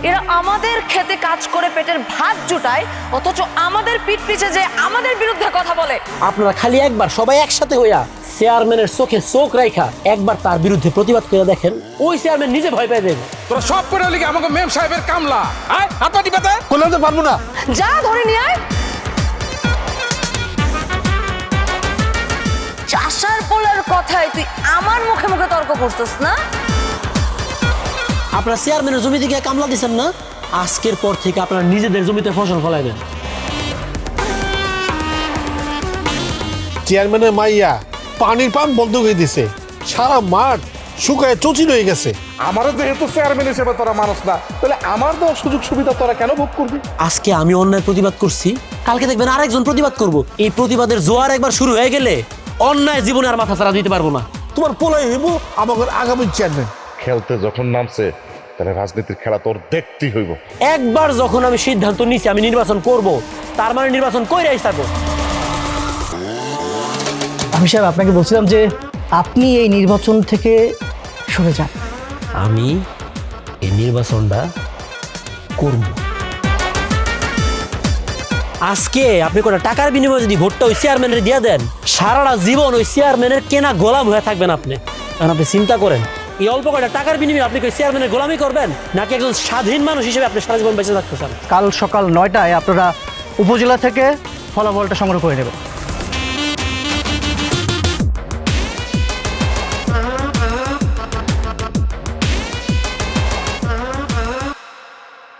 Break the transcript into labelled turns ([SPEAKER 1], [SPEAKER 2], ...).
[SPEAKER 1] এরা আমাদের খেতে কাজ করে পেটের ভাত জুটায়, অথচ আমাদের পিঠ পিছে যে আমাদের বিরুদ্ধে কথা বলে।
[SPEAKER 2] আপনারা খালি একবার সবাই একসাথে হইয়া চেয়ারম্যানের চোখে চোখ রাখা একবার তার বিরুদ্ধে প্রতিবাদ করে দেখেন, ওই চেয়ারম্যান নিজে ভয় পেয়ে যাবে।
[SPEAKER 3] তোরা সব করে লিখে আমাকে মেম সাহেবের কামলা, আয় হাত পাটি পেতে
[SPEAKER 4] করলে তো পারবো না।
[SPEAKER 1] যা ধরে নিয়ে আয়। চাষার পোলার কথায় তুই আমার মুখে মুখে তর্ক করছিস না?
[SPEAKER 2] আপনারা চেয়ারম্যানের জমি থেকে কামলা দিচ্ছেন না, আজকের পর থেকে আপনারা নিজেদের জমিতে ফসল ফলাইবেন।
[SPEAKER 4] চেয়ারম্যানের মাইয়া পানির পাম্প বন্ধ করে দিছে, সারা মাঠ শুকায় চচির হয়ে গেছে।
[SPEAKER 3] আমারও যেহেতু চেয়ারম্যান হিসেবে তোরা মানুষ না, তাহলে আমার দেওয়া সুযোগ সুবিধা তোরা কেন ভোগ করবি?
[SPEAKER 2] আজকে আমি অন্যায় প্রতিবাদ করছি, কালকে দেখবেন আরেকজন প্রতিবাদ করব। এই প্রতিবাদের জোয়ার একবার শুরু হয়ে গেলে অন্যায় জীবনে আর মাথা ছাড়া দিতে পারবো না।
[SPEAKER 4] তোমার পোলাই হইব আমাদের আগামী চেয়ারম্যান।
[SPEAKER 5] খেলতে যখন নামছে তাহলে রাজনীতির খেলা তোর দেখতেই হইব।
[SPEAKER 2] একবার যখন আমি সিদ্ধান্ত নিছি আমি নির্বাচন করব, তার মানে নির্বাচন কইরাই থাকবো।
[SPEAKER 6] আমি সাহেব আপনাকে বলছিলাম যে আপনি এই নির্বাচন থেকে সরে যান।
[SPEAKER 2] আমি এই নির্বাচনটা করব। আজকে আপনি কোনো টাকার বিনিময়ে যদি ভোটটা ওই চেয়ারম্যানের দিয়ে দেন, সারাটা জীবন ওই চেয়ারম্যানের কেনা গোলাম হয়ে থাকবেন আপনি। কারণ আপনি চিন্তা করেন, এই অল্প কয়টা টাকার বিনিময়ে আপনি কি ওই চেয়ারম্যানের গোলামি করবেন, নাকি একজন স্বাধীন মানুষ হিসেবে আপনি সারা জীবন বেঁচে থাকতে চান?
[SPEAKER 6] কাল সকাল 9টায় আপনারা উপজেলা থেকে ফলাফলটা সংগ্রহ করে নেবেন।